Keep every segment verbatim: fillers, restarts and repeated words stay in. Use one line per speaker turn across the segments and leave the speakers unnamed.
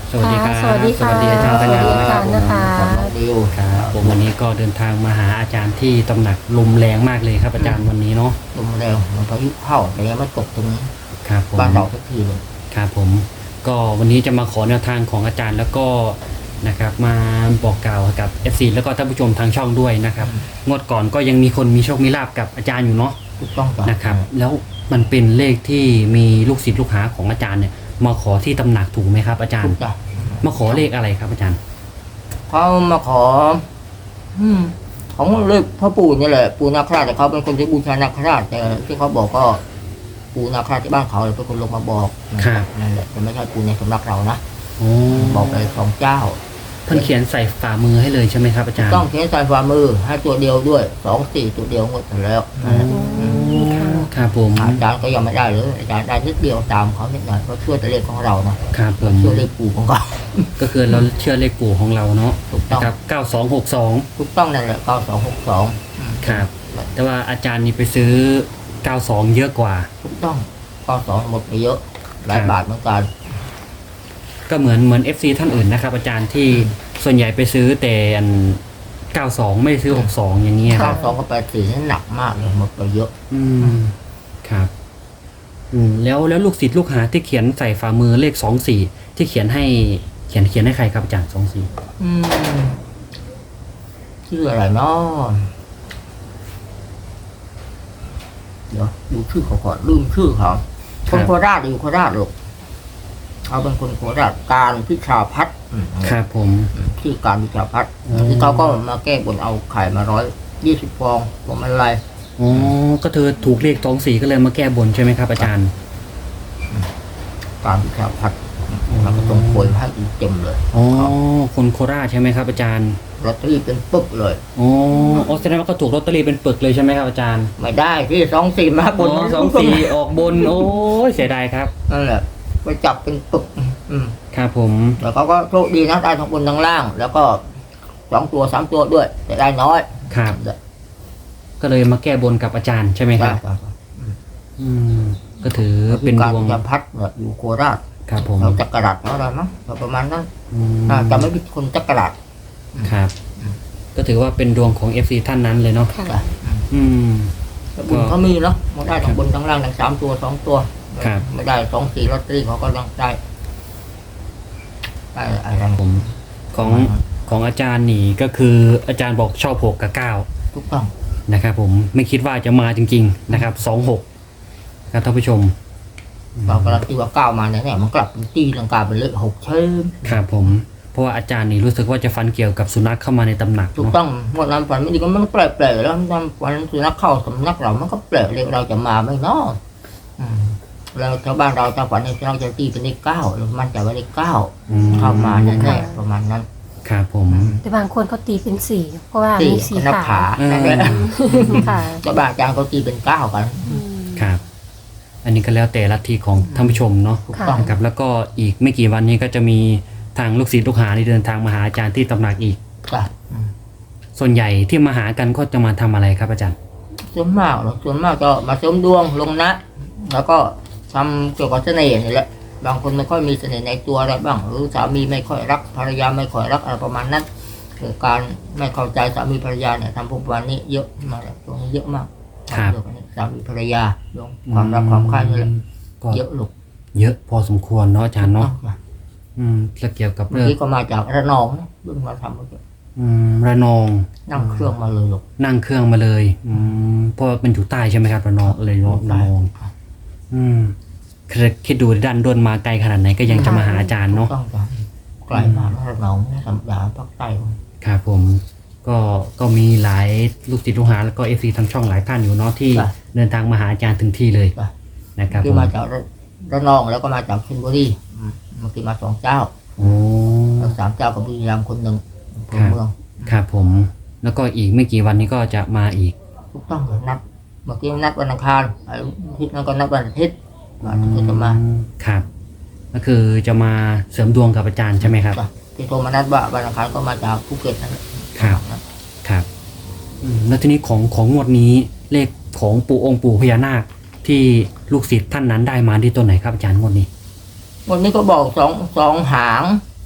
สวัสดีครับ
สวัสดีค่ะ
สวัสดีอาจารย์ปัญญา
สวัสดีอาจารย์นะคะ
ผมน้องดิว
ครับผมวันนี้ก็เดินทางมาหาอาจารย์ที่ตำหนักลมแรงมากเลยครับอาจารย์วันนี้เนาะ
ลมแรงมันพายุเข้าแต่ยังไม่ตกตรงนี้
ครับผม
บ้านเราสักทีเลย
ครับผมก็วันนี้จะมาขอแนวทางของอาจารย์แล้วก็นะครับมาบอกกล่าวกับ เอฟ ซี แล้วก็ท่านผู้ชมทางช่องด้วยนะครับงวดก่อนก็ยังมีคนมีโชคมีลาบกับอาจารย์อยู่เนาะ
ถูกต้องจ้ะ
นะครับแล้วมันเป็นเลขที่มีลูกศิษย์ลูกหาของอาจารย์เนี่ยมาขอที่ตำหนักถูกไหมครับอาจาร
ถู
ย์
กจ้ะ
มาขอเลขอะไรครับอาจารย์
เขามาขอ อืมของเลขพ่อปู่นี่แหละปู่นาคราชแต่เขาเป็นคนที่บูชานาคราชแต่ที่เขาบอกก็ ปู่นาคราชที่บ้านเขาเลยเป็นคนลงมาบอกนั่นแหละแต่ไม่ใช่ปู่ในสำนักเรานะ
โอ้
บอกไปสองเจ้า
เพิ่นเขียนใส่ฝ่ามือให้เลยใช่ไหมครับอาจารย์
ต้องใช้สายฝ่ามือให้ตัวเดียวด้วยสองสี่ตัวเดียวหมดแล้วนั่นแหละ
ครับผม
อาจารย์ก็ยังไม่ได้เลยอาจารย์ได้นิดเดียวตามเขานิดหน่อยเพราะช่วยแต่เลขของเรานะครับ
ผม
ช่วยเลขปู่ของเขา
ก็คือเราเชื่อเลขปู่ของเราเนาะ
ถูกต้อง
นะครับเก้าสองหกสอง
ถูกต้องนั่นแหละเก้าสองหกสอง
ครับ แต่ว่าอาจารย์นี่ไปซื้อเก้าสองเยอะกว่า
ถูกต้องเก้าสองหมดไปเยอะหลาย
ครับ
บาทเหมือนกัน
ก็เหมือนเหมือน เอฟ ซี ท่านอื่นนะครับอาจารย์ที่ส่วนใหญ่ไปซื้อแต่อันเก้าสองไม่ได้ซื้อหกสองอย่างเงี้ยค
เก้า
รับ
สองกับแปดสี่นี่หนักมากเลยหมดไปเยอะ
อืมครับอืมแล้วแล้วลูกศิษย์ลูกหาที่เขียนใส่ฝ่ามือเลขสองสี่ที่เขียนให้เขียนเขียนให้ใครครับอาจารย์สองสี่
อืมชื่ออะไรเนาะเดี๋ยวดูชื่อเขาก่อนลืมชื่อเขาคนโคราชอยู่โคราชลูกเขาเป็นคนโคราชการพิชาพัฒน์อืม
ครับผม
ชื่อการพิชาพัฒน์
อืม
ที่เขาก็มาแก้บนเอาไข่มาร้อยยี่สิบฟองพวงมาลัย
อ๋อก็เธอถูกเลขสองสี่ก็เลยมาแก้บนใช่ไหมครับอาจารย์
การพิชาพัฒน์มันก็ต้องโวยมาให้อีกเต็มเลย
อ๋อคนโคราชใช่ไหมครับอาจารย์
ลอตเตอรี่เป็นปึ๊กเลย
อ๋ออ๋อแสดงว่าก็ถูกลอตเตอรี่เป็นปึกเลยใช่ไหมครับอาจารย์
ไม่ได้ที่สองสี่มาบ
อ๋
น
อสองสี่ออกบนโอ้ยเสียดายครับ
นั่นแหละไปจับเป็นปึก อืม
ครับผม
แต่เขาก็โชคดีนะได้ทั้งบนทั้งล่าง แล้วก็สองตัวสามตัวด้วย แต่ได้น้อย
ครับก็เลยมาแก้บนกับอาจารย์ใช่ไหมครับ
ครับ
อืมก็ถือเป็น
การ
ดวง
จะพัดเนี่ยอยู่โคราช
ครับผม
เราจักรราชเขาอะไรมั้งประมาณนั้น
อืม
อ่าจะไม่ผิดคนจักรราช
ครับ ก็ถือว่าเป็นดวงของ เอฟ ซี ท่านนั้นเลยเนาะ
ค่ะ
จ้ะ
อืม
แต่บุญเขามีเนาะมันได้ทั้งบนทั้งล่างทั้งสามตัวสองตัว
ครับ
ไม่ได้สองสี่ลอตเตอรี่เขาก็ยังได้ได้อะไร
ผมของของอาจารย์นี่ก็คืออาจารย์บอกชอบหกกับเก้า
ถูกต้อง
นะครับผมไม่คิดว่าจะมาจริงๆนะครับสองหกครับท่านผู้ชม
เรากำลังตีว่าเก้ามาเนี่ยเนี่ยมันกลับเป็นตีลังกาเป็นเลขหกเชิญ
ครับผมเพราะว่าอาจารย์นี่รู้สึกว่าจะฟันเกี่ยวกับสุนัขเข้ามาในตำหนัก
ถูก
เนาะ
ต้องเมื่อนั้นฝันไม่ดีก็มันแปลกๆแล้วมันฝันสุนัขเข้าสำนักเรามันก็แปลกเลยเราจะมาไหม่นออืมแล้วชาวบ้านเราถ้าฝันในเราจะตีเป็นเลขเก้าเรามั่นใจว่าเลขเก้า
อืม
เข้ามาแน่ๆประมาณนั้น
ครับผม
แต่บางคนเขาตีเป็นสี่เพราะว่า
ตี
มีสี
นับ
ขา
ขา
อืม
นั่นแหละ
ค่ะ
ชาวบ้านอาจารย์เขาตีเป็นเก้ากัน
อืม
ครับ อันนี้ก็แล้วแต่ลัทธิของท่านผู้ชมเนาะ
ถูกต้อง
นะครับแล้วก็อีกไม่กี่วันนี้ก็จะมีทางลูกศิษย์ลูกหาที่เดินทางมาหาอาจารย์ที่ตำหนักอีก
จ้ะอืม
ส่วนใหญ่ที่มาหากันก็จะมาทำอะไรครับอาจารย์
ส่วนมากหรอกส่วนมากก็มาเสริมดวงลงนะ แล้วก็ทำเกี่ยวกับเสน่ห์นี่แหละบางคนไม่ค่อยมีเสน่ห์ในตัวอะไรบ้าง หรือสามีไม่ค่อยรักภรรยาไม่ค่อยรักอะไรประมาณนั้นเกิดการไม่เข้าใจสามีภรรยาเนี่ยทำพวกวันนี้เยอะมากเลยตรงนี้เยอะมาก
ครับ
เกี่ยวกับนี้สามีภรรยาเรื่องความรักความใคร่นี่แหละ
ก็
เยอะลูก
เยอะพอสมควรเนาะอาจารย์เนาะอืมแล้วเกี่ยวกับ
เมื่อ
เรื่อง
กี้ก็มาจากระนองนะเพิ่งมาทำเมื่อกี้
อืมระนอง
นั่งเครื่องมาเลยลูก
นั่งเครื่องมาเลยอืมเพราะว่ามันอยู่ใต้ใช่ไหมครับระนองเลยเนาะระนองอืมคือคิดดูดันด้นมาไกลขนาดไหนก็ยังจะมาหาอาจารย์เนาะ
ต้องจ้ะไกลมากนะระนองไม่ธรรมดาภาคใต้
ครับผมก็ก็มีหลายลูกศิษย์ลูกหาแล้วก็เอฟซีทางช่องหลายท่านอยู่เนาะที่
จ้ะ
เดินทางมาหาอาจารย์ถึงที่เลย
จ้ะ
นะครับ
ที่
ผม
มาจากระระนองแล้วก็มาจากชลบุรีอืมเมื่อกี้มาสองเจ้า
โอ้
แล้วสามเจ้ากับบุรีรัมย์คนหนึ่งอำเภอเมือง
ครับผมแล้วก็อีกไม่กี่วันนี้ก็จะมาอีก
ถูกต้องเลยนัดเมื่อกี้นัดวันอังคารอาทิตย์นั้นก็นัดวันอาทิตย์วันอาทิตย์จะมา
ครับก็คือจะมาเสริมดวงกับอาจารย์ใช่ไหมครับ
จ้ะที่โทรมานัดว่าวันอังคารก็มาจากภูเก็ตนั่นแหละ
ครับครับอืมแล้วทีนี้ของของงวดนี้เลขของปู่องค์ปู่พญานาคที่ลูกศิษย์ท่านนั้นได้มาที่ตัวไหนครับอาจารย์งวดนี้
วันนี้ก็บอกสองสองหาง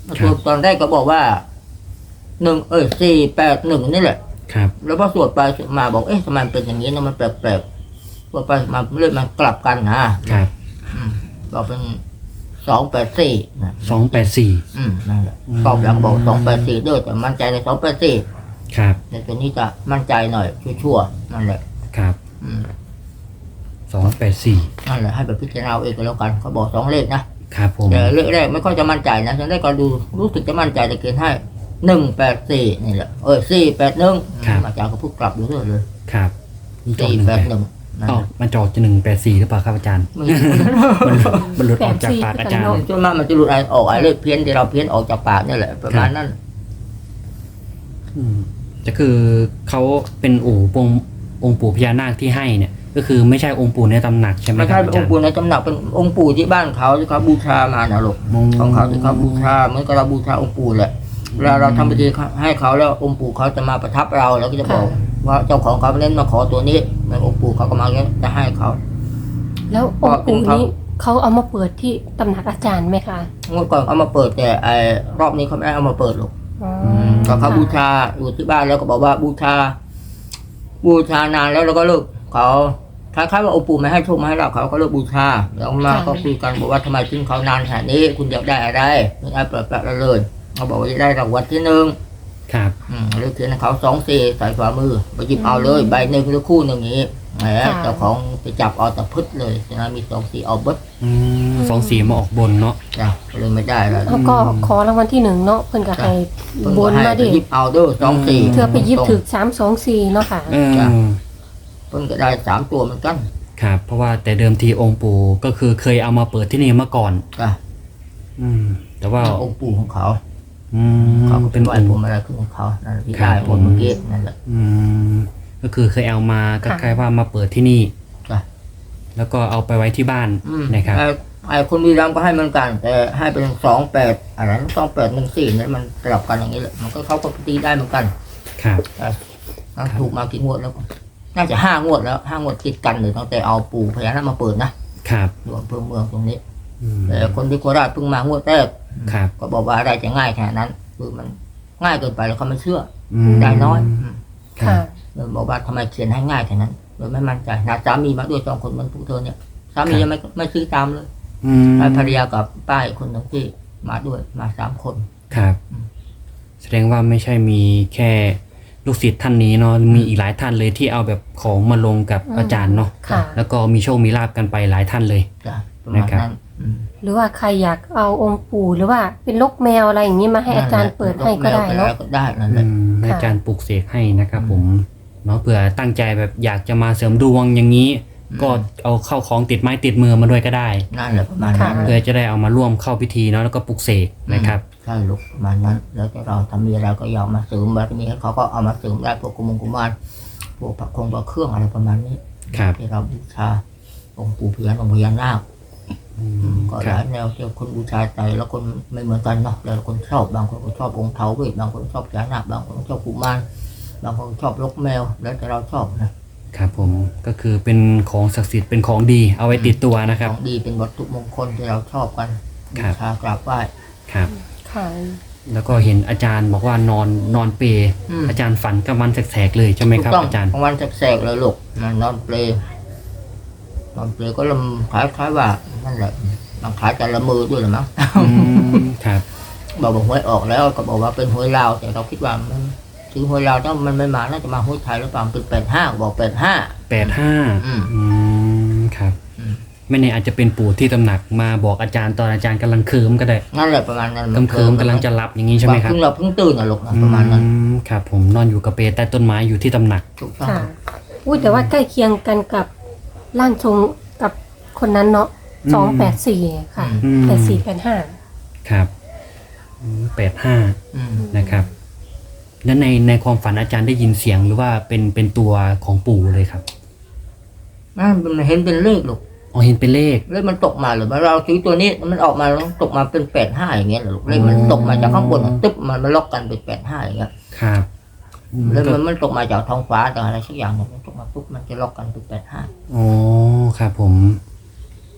สวดตอนแรกก็บอกว่าหนึ่งเอ้ยสี่แปดหนึ่งนี่แหละ
ครับ
แล้วพอสวดไปสวดมาบอกเอ๊ะทำไมมันเป็นอย่างนี้นะมันแปลกๆสวดไปมาเรื่อยมันกลับกันนะครับ อืมบอกเป็นสองแปดสี่นะ
สองแปดสี่
อืมนั่นแหละ
อืม
ตอบหลังบอกสองแปดสี่ด้วยแต่มั่นใจในสองแปดสี่
ครับ
ในตัวนี้จะมั่นใจหน่อยชั่วๆนั่นแหละ
ครับ
อืม
สองแปดสี่
นั่นแหละให้ไปพิจารณาเอาเองก็แล้วกันเขาบอกสองเลขนะครับ
ผม
แต่เลขแรกไม่ค่อยจะมั่นใจนะฉันได้ก็ดูรู้สึกจะมั่นใจแต่เกณฑ์ให้หนึ่งแปดสี่นี่แหละเออสี่แปดหนึ่งอาจารย์ก็พูดกลับอยู่เรื่อยเลย
ครับจอ
สี่
หนึ่ง
แป
แป
ด
ด
หนึ่งนั่น
อ๋อ
แหละ
มันจอจะหนึ่งแปดสี่หรือเปล่าครับอาจารย์
ไม่
มันมันหลุดออกจากปากอาจารย์
ส่วนมากมันจะหลุดออกไอ้เลขเพี้ยนที่เราเพี้ยนออกจากปากนี่แหละประมาณนั้น
อืมจะคือเขาเป็นอู่ปงองค์ปู่พญานาคที่ให้เนี่ย ก็คือไม่ใช่องค์ปู่ในตำหนักใช่ไหม
ไม่
ค
ใช่
รับ
เป็น
อา
อ
จาง ร
ค์
ย์
ปู่ในตำหนักเป็นองค์ปู่ที่บ้านเขาที่เขาบูชามานะลูก
อืม
ของเขาที่เขาบูชาเหมือนกับเราบูชาองค์ปู่แหละเวลาเราทำพิธีให้เขาแล้วองค์ปู่เขาจะมาประทับเราแล้วก็จะบอกว่าเจ้าของเขาเล่นมาขอตัวนี้แล้วองค์ปู่เขาก็มาแล้วจะให้เขา
แล้วองค์ปู่นี้เขาเอามาเปิดที่ตำหนักอาจารย์ไหมคะ
งวดก่อนเอามาเปิดแต่ไอ้รอบนี้เขาไม่ได้เอามาเปิดหรอก
อ๋อ
ก็เขาบูชาอยู่ที่บ้านแล้วก็บอกว่าบูชา บูชานานแล้วแล้วก็เลิกเขาคล้ายๆว่าองค์ปู่ไม่ให้โชคไม่ให้ลาภเขาก็เลิกบูชาแล้วมาก็คุยกันบอกว่าทำไมทิ้งเขานานขนาดนี้คุณอยากได้อะไรไม่ได้เปิดแปะเลยเขาบอกว่าจะได้รางวัลที่หนึ่ง
ครับ
อืมเลือกเขียนให้เขาสองสี่ใส่ฝ่ามือไปหยิบเอาเลยใบหนึ่งหรือคู่หนึ่งอย่างนี้แหมเจ้าของไปจับเอาแต่พึดเลยฉะนั้นมีสองสี่เอาเบิด
อืมสองสีมาออกบนเนาะ
จ้ะเลยไม่ได้แล้ว
แล้วก็ขอรางวัลที่หนึ่งเนาะเพิ่นก็ให้
เพิ่น
บ
ก็
น
ให้
มา
ไป
ดิ
หยิบเอาเด้วยสองสี่
เธอไปยิบถึกสามสองสี่เนาะค่ะ
เออ
เพิ่นก็ได้สามตัวเหมือนกัน
ครับ เพราะว่าแต่เดิมทีองค์ปู่ก็คือเคยเอามาเปิดที่นี่มาก่อน
จ้ะ
อืม แต่ว่า
องค์ปู่ของเขา
อืม
เขาก็
เป็
เป็น นไหว
องค์
ผมอะไรขึ้นของเขานั่นแหละที่
ครับ
ได้ผลเมื่อกี้นั่นแหละ
อืมก็คือเคยเอามาก็
ค่ะ
คล้ายว่ามาเปิดที่นี่
จ้ะ
แล้วก็เอาไปไว้ที่บ้าน
อืม
นะครับ
ไอ้ไอ้คนบุรีรัมย์ก็ให้เหมือนกัน แต่ให้เป็นสองแปดอะไรสองแปดหนึ่งสี่นั่นมันสลับกันอย่างนี้แหละมันก็เขาก็ตีได้เหมือนกัน
ครับ
แต่ถูกมากี่งวดแล้ว น่าจะห้างวดแล้วห้างวดติดกันเลยตั้งแต่เอาปู่พญานาคมาเปิดนะครับ อยู่อำเภอเมืองตรงนี้
อืม
แต่คนที่โคราชเพิ่งมางวดแรก
ครับ
ก็บอกว่าอะไรจะง่ายขนาดนั้นคือมันง่ายเกินไปแล้วเขาไม่เชื่อ
อืม
ได้น้อยอืม
ครั
ค่ะ
บ
เลยบอกว่าทำไมเขียนให้ง่ายแค่นั้นเลยไม่มั่นใจนะสามีมาด้วยสองคนเหมันพวกเธอเนี่ยสามียังไม่ไม่ซื้อตามเลย
อืม
ภรรยากับป้าอีกคนหนึ่งที่มาด้วยมาสามคน
ครับ แสดงว่าไม่ใช่มีแค่ลูกศิษย์ท่านนี้เนาะมีอีกหลายท่านเลยที่เอาแบบของมาลงกับ
อืม
อาจารย์เนาะ
ค่ะ
แล้วก็มีโชคมีลาบกันไปหลายท่านเลย
จ้ะประมาณ
นะครับ
นั้นอืม
หรือว่าใครอยากเอาองค์ปู่หรือว่าเป็นลกแมวอะไรอย่างนี้มาให้อาจารย์เปิดให้ก็ได้
แมว
เนาะ
ปก็ได้นั่นแห
อื
ละ
มให้อาจารย์ปลุกเสกให้นะครับผมเนาะเผื่อตั้งใจแบบอยากจะมาเสริมดวงอย่างนี้ ก็เอาเข้าของติดไม้ติดมือมาด้วยก็ได้
นั่นแหละประมาณนั้น
เพื่อจะได้เอามาร่วมเข้าพิธีเนาะแล้วก็ปลุกเสกนะครับ
ใช่ลูกประมาณนั้น แล้วแต่เราทำมีอะไรก็ยอมมาเสริมบารมีให้เขาก็เอามาเสริมได้พวกกุมงกุมารพวกพระคงพระเครื่องอะไรประมาณนี้
ครับ
ที่เราบูชาองค์ปู่พญานาคองค์พญานาค
อืม
ก็
ค
ห
รั
ลา
บ
ยแนวที่คนบูชาใจแล้วคนไม่เหมือนกันเนาะแล้วคนชอบบางคนก็ชอบองค์เทาเวทบางคนชอบพญานาคบางคนชอบกุมารบางคนชอบลกแมว แล้วแต่เราชอบนะครับ
ผมก็คือเป็นของศักดิ์สิทธิ์เป็นของดีเอาไว้ติดตัวนะค
ข
รับ
องดีเป็นวัตถุมงคลที่เราชอบกัน
ค
บู
รับ
ชากราบไหว้
ครับ
ค่ะ
แล้วก็เห็นอาจารย์บอกว่านอนนอนเปรย์
อืม
อาจารย์ฝันกลางวันแสกๆเลยใช่ไหม
ถู
ครับ
กต้อง
อาจารย์
กลางวันแสกๆเลยลูกมันนอนเปลนอนเปลก็ลำคล้ายๆว่านั่นแหละบางคล้ายจะละมือด้วยหรือมั้ง
อืมครับ
บอกบอกหวยออกแล้วก็บอกว่าเป็นหวยลาวแต่เราคิดว่ามันถึงหวยลาวถ้ามันไม่มาน่าจะมาหวยไทยหรือเปล่าเป็นแปดห้าบอกแปดห้า
แปดห้า
อืม
อืมครับ
อืม
ไม่แน่อาจจะเป็นปู่ที่ตำหนักมาบอกอาจารย์ตอนอาจารย์กำลังเคิมก็ได้
นั่นแหละประมาณนั้น
กำเคิมกำลังจะหลับอย่างนี้ใช่ไหมครับ
เพิ่งเราเพิ่งตื่นนะลูกนะประมาณนั้น
อืมครับผมนอนอยู่กับเปรย์ใต้ต้นไม้อยู่ที่ตำหนัก
ถูกต้อง
ค่ะอุ้ยแต่ว่าใกล้เคียงกันกับร่างทรงกับคนนั้นเนาะ
อืม
สองแปดสี่ค่ะ
อืม
แปดสี่แปดห้า
ครับแปดห้า
อืม
นะครับแล้วในในความฝันอาจารย์ได้ยินเสียงหรือว่าเป็นเป็นตัวของปู่เลยครับ
นั่นมันเห็นเป็นเลขลูก
อ๋อเห็นเป็นเลข
เลขมันตกมาหรือว่าเราซื้อตัวนี้มันออกมาแล้วตกมาเป็นแปดห้าอย่างเงี้ยเหรอลูกเลขมันตกมาจากข้างบนตึ๊บมันมาล็อกกันเป็นแปดห้าอย่างเงี้ย
ครับอืม
แล้ว
ก็
มันมันตกมาจากท้องฟ้าจากอะไรสักอย่างเนี่ยมันตกมาปุ๊บมันจะล็อกกันเป็นแปดห้า
อ๋อครับผม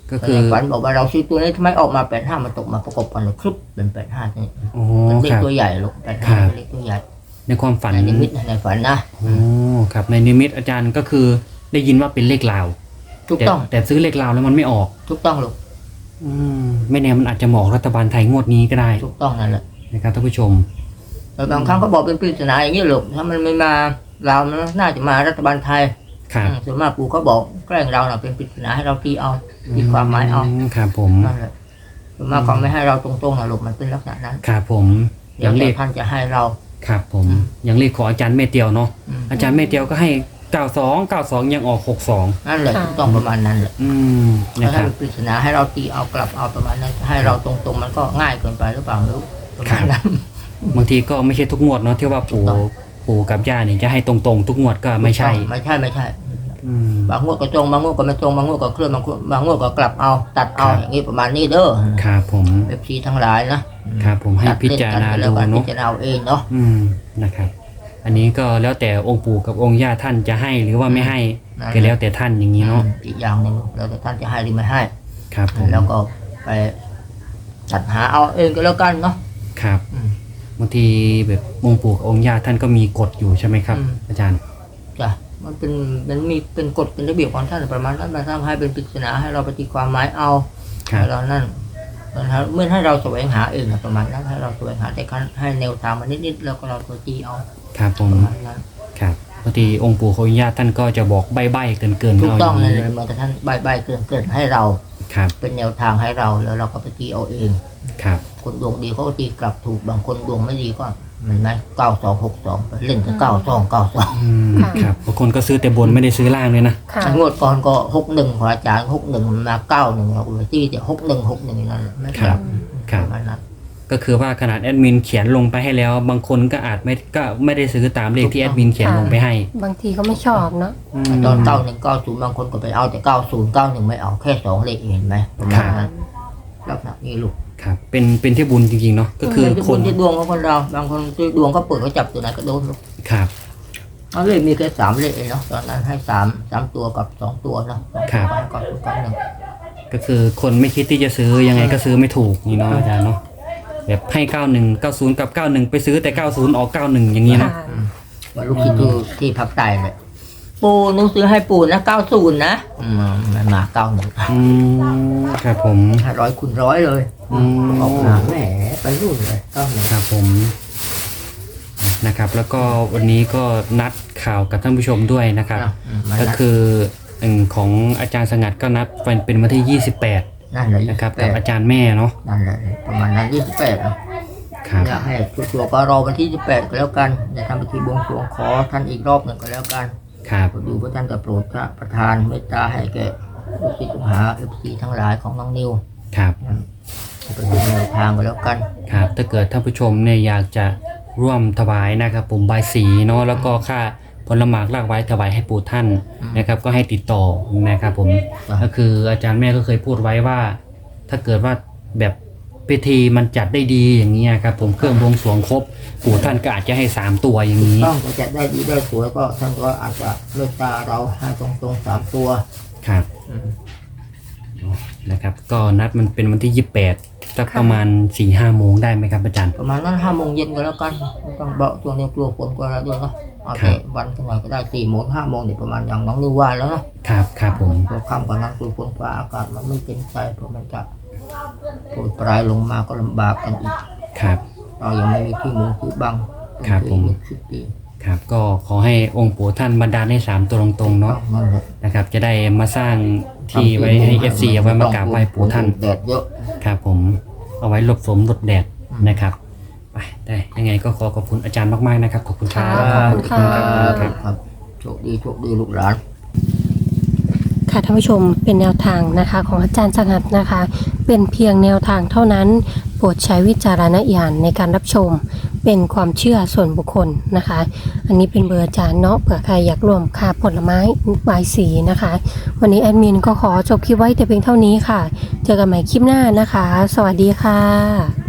ก็คือ
ในฝันบอกว่าเราซื้อตัวนี้ทำไมออกมาแปดห้ามันตกมาประกบกันเลยครึบเป็นแปดห้านี่
โอ้
มันเล
ค
ข
รับ
ตัวใหญ่ลูกแปด
ครั
ห้า
บ
เป็นเลขตัวใหญ่
ในความฝัน
ในนิมิตในฝันนะ
โอ้ครับในนิมิตอาจารย์ก็คือได้ยินว่าเป็นเลขลาว
ถูก
แต่
ต้อง
แต่ซื้อเลขลาวแล้วมันไม่ออก
ถูกต้องลูก
อืมไม่แน่มันอาจจะเหมาะรัฐบาลไทยงวดนี้ก็ได้
ถูกต้องนั่นแหละ
นะครับท่านผู้ชม
แต่บางครั้งก็บอกเป็นปริศนาอย่างนี้ลูกถ้ามันไม่มาเรามันน่าจะมารัฐบาลไทย
ครับ
อืมส่วนมากปู่เขาบอกแกล้งเราน่ะเป็นปริศนาให้เราตีเอาตีความหมายเอา
ครับผม
นั่นแหละส่วนมากเขาไม่ให้เราตรงๆนะลูกมันเป็นลักษณะนั้น
ครับผม
เดี๋
ยั
ยว
งเล
แต่
ข
ท่านจะให้เรา
ครับผม
อืม
ยังเลขของอาจารย์เมเตียวเนาะ
อืม
อาจารย์เมเตียวก็ให้เก้าสองเก้าสองยังออกหกสอง
นั่นแหละ
ค่ะ
ถูกต้องประมาณนั้นแหละ
อืมนะค
ถ้า
รับ
เป็นปริศนาให้เราตีเอากลับเอาประมาณนั้นให้เราตรงๆมันก็ง่ายเกินไปหรือเปล่าไม่รู้ประมาณนั้น
บางทีก็ไม่ใช่ทุกงวดเนาะที่ว่าปู่
ถูกต้อง
ปู่กับย่าเนี่ยจะให้ตรงๆ ทุกงวดก็ไม่ใช่
ไม่ใช่ไม่ใช่
อืม
บางงวดก็ตรงบางงวดก็ไม่ตรงบางงวดก็เคลื่อนบางงวดบางงวดก็กลับเอาตัดเอา
ครับ
อย่างนี้ประมาณนี้เด้อ
ครับผม
เอฟซีทั้งหลายนะครับ
ผมให้
ตัด
พิ
เล่น
จาร
กัน
ณา
ไปแล้
ดู
วกันพิ
เนาะ
จารณาเอาเองเนาะ
อืมนะครับ อันนี้ก็แล้วแต่องค์ปู่กับองค์ย่าท่านจะให้หรือว่าไม่ให้
นั่น
ก็แล้วแต่ท่านอย่างนี้เนาะ
อืมอีกอย่างหนึ่งแล้วแต่ท่านจะให้หรือไม่ให้
ครับผม
แล้วก็ไปจัดหาเอาเองก็แล้วกันเนาะ
ครับ
อืม
บางทีแบบองค์ปู่กับองค์ย่าท่านก็มีกฎอยู่ใช่ไหมครับ
อืม
อาจารย์
จ้ะมันเป็นมันมีเป็นกฎเป็นระเบียบของท่านประมาณนั้นมาทำให้เป็นปริศนาให้เราไปตีความหมายเอา
ครับ
ให้เรานั่นมันให้เมื่อให้เราแสวงหาเองนะประมาณนั้นให้เราแสวงหาแต่ขั้นให้แนวทางมานิดๆแล้วก็เราตัวตีเอา
ครับผม
ประมาณนั้น
ครับบางทีองค์ปู่กับองค์ย่าท่านก็จะบอกใบ้ๆเกินๆ
ถูก
เอาอ
ต้อง
ย่าง
เลย
นี้
เหมื่อนแต่ท่านใบใบเกินเกินให้เรา
ครับ
เป็นแนวทางให้เราแล้วเราก็ไปตีเอาเอง
ครับ
คนดวงดีเขาก็ตีกลับถูกบางคนดวงไม่ดีก็เหมือนไหมเก้าสองหกสองไปเล่นกับเก้าสองเก้าสอง
อืม
ค่ะ
ครับบางคนก็ซื้อแต่บนไม่ได้ซื้อล่างเลยนะ
ค่ะ
งวดก่อนก็หกหนึ่งของอาจารย์หกหนึ่งมาเก้าหนึ่งเราไปตีแต่หกหนึ่งหกหนึ่งนั่นแหละไม่กลับ
ครับ
ประมาณนั้น
ก็คือว่าขนาดแอดมินเขียนลงไปให้แล้ว บางคนก็อาจไม่ก็ไม่ได้ซื้อตามเลขที่แอดมินเขียนลงไปให้
บางทีก็ไม่ชอบเนาะ
ม
ตอนเก้าหนึ่งเก้าศูนย์บางคนก็ไปเอาแต่เก้าศูนย์เก้าหนึ่งไม่เอาแค่สองเลขเองไหมประมาณนั้นลักษณะนี้ลูก
ครับเป็นเป็นที่บุญจริงๆเนาะก็คือ
มันจะ
ค
คน นที่ดวงของคนเราบางคนที่ดวงเขาเปิดเขาจับตัวไหนก็โดนลูก
ครับ
เอาเลขมีแค่สามเลขเองเนาะตอนนั้นให้สามสามตัวกับสองตัวเนาะสองตัวกับเก้าศูนย์เก้าหนึ่ง
ก็คือคนไม่คิดที่จะซื้อยังไงก็ซื้อไม่ถูกนี่เนาะอาจารย์เนาะแบบให้เก้าหนึ่งเก้าศูนย์กับเก้าหนึ่งไปซื้อแต่เก้าศูนย์ออกเก้าหนึ่งอย่างนี้เนาะ
ค่ะ
ว่าลูกคิดดูที่พักใต้เลยปูหนึงซื้อให้ปูนะเก้าศูนย์นะอืมมันมาเก้าหนึ่ง
อืมครับผม
ห้าร้อยคูณร้อยเลย
อืม
ออกมาแหมไปรุ่นเลยเก้าหนึ่ง
ครับผมนะครับ แล้วก็วันนี้ก็นัดข่าวกับท่านผู้ชมด้วยนะครับ
อืมมัน
ก็
นะ
คืออืมของอาจารย์สงัดก็นัดเป็นเป็นวันที่ยี่สิบแปด
นั่นเลย
นะครับ
แป
กับ
ด
อาจารย์แม่เนาะ
นั่นเลยประมาณนั้นยี่สิบแปดนะ
ครับ
อยากให้ชัวร์ๆก็รอวันที่ยี่สิบแปดก็แล้วกันจะทำพิธีบวงสรวงขอท่านอีกรอบหนึ่งก็แล้วกัน
ครับ
ดูพระท่านจะโปรดพระประทานเมตตาให้แก่ลูกศิษย์ลูกหาเอฟซีทั้งหลายของน้องนิว
ครับ
ก็ดูแนวทางก็แล้วกัน
ครับถ้าเกิดท่านผู้ชมเนี่ยอยากจะร่วมถวายนะครับผมบายสีเนาะแล้วก็ค่าผลหมากลากไว้ถวายให้ปู่ท่านนะครับ ก็ให้ติดต่อนะครับผมก็คืออาจารย์แม่ก็เคยพูดไว้ว่า ถ้าเกิดว่าแบบพิธีมันจัดได้ดีอย่างนี้ยครับผมเครื่องบวงสรวงครบปู่ท่านก็อาจจะให้สามตัวอย่างนี้
ต้องจะได้ดีได้สวยก็ท่านก็อาจจะเมตตาเราให้ตรงๆสามตัว
ครับ
อืม
นะครับ ก็นัดมันเป็นวันที่ยี่สิบแปดสักประมาณสี่ห้าโมงได้ไหมครับอาจารย์
ประมาณนั้นห้าโมงเย็นก็แล้วกันไม่ต้องเบาตัวนี้กลัวฝนกลัวอะไรด้วยเนาะเอาแต่วันกันหน่อยก็ได้สี่โมงห้าโมงเนี่ยประมาณอย่างน้องนิวว่าแล้วเนาะ
ครับครับผม
พอค่ำกว่านั้นกลัวฝนกว่าอากาศมันไม่เป็นใจเพราะมันจะโปรยปลายลงมาก็ลำบากกันอีก
ครับ
เรายังไม่มีที่มุงที่บัง
ครับผม
เป็นสิบปี
ครับก็ขอให้องค์ปู่ท่านบันดาลให้สามตัวตรงๆเนาะ
นั่นแหละ
นะครับจะได้มาสร้างที่ไว้ให้ เอฟ ซี เอาไว้มากราบไหว้ปู่ท่าน
แดดเยอะ
ครับผมเอาไว้หลบฝนหลบแดด
อืม
นะครับไปได้ยังไงก็ขอขอบคุณอาจารย์มากๆนะครับขอบคุณครับ
ขอบคุณค่ะ
ครับ
ครับโชคดีโชคดีลูกหลาน
ค่ะท่านผู้ชมเป็นแนวทางนะคะของอาจารย์สงัดนะคะ เป็นเพียงแนวทางเท่านั้นโปรดใช้วิจารณญาณในการรับชม เป็นความเชื่อส่วนบุคคลนะคะ อันนี้เป็นเบอร์อาจารย์เนาะเผื่อใครอยากร่วมค่าผลไม้บายสีนะคะ วันนี้แอดมินก็ขอจบคลิปไว้แต่เพียงเท่านี้ค่ะ เจอกันใหม่คลิปหน้านะคะ สวัสดีค่ะ